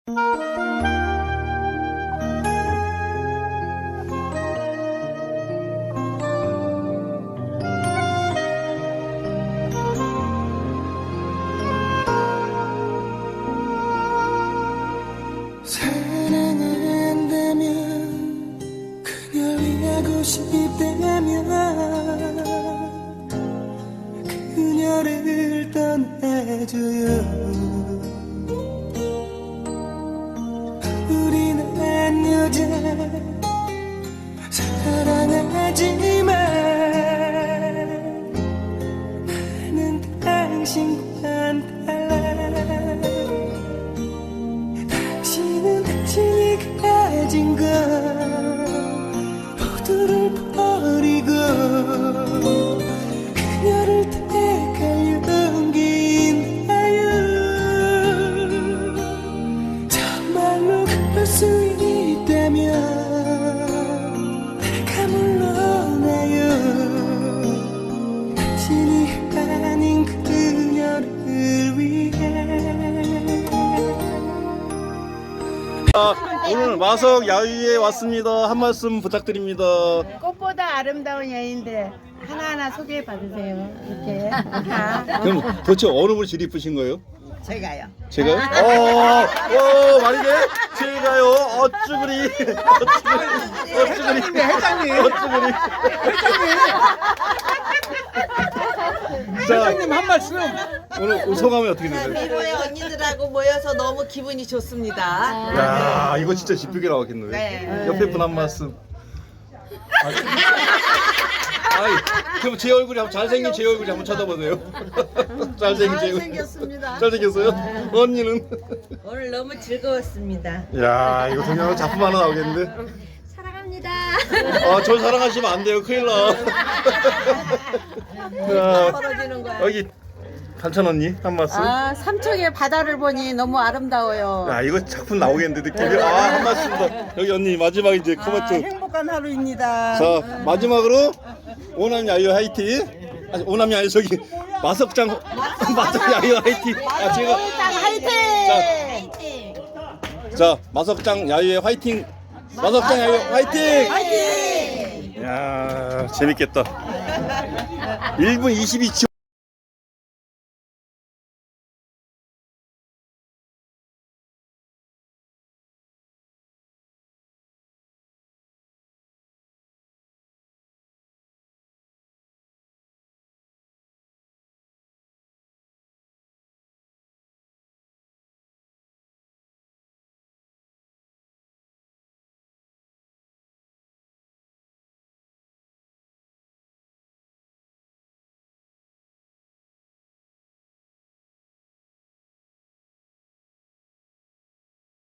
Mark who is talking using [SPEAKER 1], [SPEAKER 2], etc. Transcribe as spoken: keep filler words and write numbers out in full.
[SPEAKER 1] 사랑한다면 그녀를 하고 싶다면 그녀를 떠나줘요. 우린 한 여자 사랑하지만 나는 당신과는 달라. 당신은 당신이 가진 것 모두를 버리고 그녀를 택할 용기 있나요? 정말로 그럴 수 있다면 내가 물러나요. 당신이 아닌 그녀를 위해.
[SPEAKER 2] 아, 오늘 마석 야유에 왔습니다. 한 말씀 부탁드립니다.
[SPEAKER 3] 꽃보다 아름다운 여인들 하나하나 소개해 받으세요. 이렇게 다.
[SPEAKER 2] 그럼 도대체 어느 분이 제일 이쁘신 거예요?
[SPEAKER 3] 제가요.
[SPEAKER 2] 제가요? 어, 어, 말이게? 제가요? 어쭈그리. 어쭈그리. 어쭈그리. 회장님. 어쭈그리. 회장님 한 말씀. 오늘 소감이 어떻게 되세요?
[SPEAKER 4] 미로의 언니들하고 모여서 너무 기분이 좋습니다.
[SPEAKER 2] 야, 이거 진짜 집중이 나왔겠네요.
[SPEAKER 4] 네.
[SPEAKER 2] 옆에 분 한 말씀. 아이, 그럼 제 얼굴이 한번 잘생긴 제 얼굴이 한번 쳐다보세요. 잘생긴 제 얼굴.
[SPEAKER 4] 잘생겼습니다.
[SPEAKER 2] 잘생겼어요? 언니는?
[SPEAKER 4] 오늘 너무 즐거웠습니다.
[SPEAKER 2] 야, 이거 동영상 작품 하나 나오겠는데?
[SPEAKER 4] 사랑합니다.
[SPEAKER 2] 아, 저 사랑하시면 안 돼요. 큰일 나. 자,
[SPEAKER 4] 벌어지는 거야.
[SPEAKER 2] 여기 간찬 언니 한 말씀.
[SPEAKER 3] 아, 삼척의 바다를 보니 너무 아름다워요.
[SPEAKER 2] 야, 이거 작품 나오겠는데 느낌이. 아, 한 말씀 더. 여기 언니 마지막 이제 코멘트.
[SPEAKER 3] 행복한 하루입니다.
[SPEAKER 2] 자, 마지막으로 오남 야유 화이팅. 아니, 오남이 아니 저기 마석장 마석 야유 화이팅. 아, 제가
[SPEAKER 3] 화이팅!
[SPEAKER 2] 자, 자, 마석장 야유의 화이팅. 마석장 야유 화이팅.
[SPEAKER 3] 화이팅!
[SPEAKER 2] 야, 재밌겠다. 일 분 이십이 초.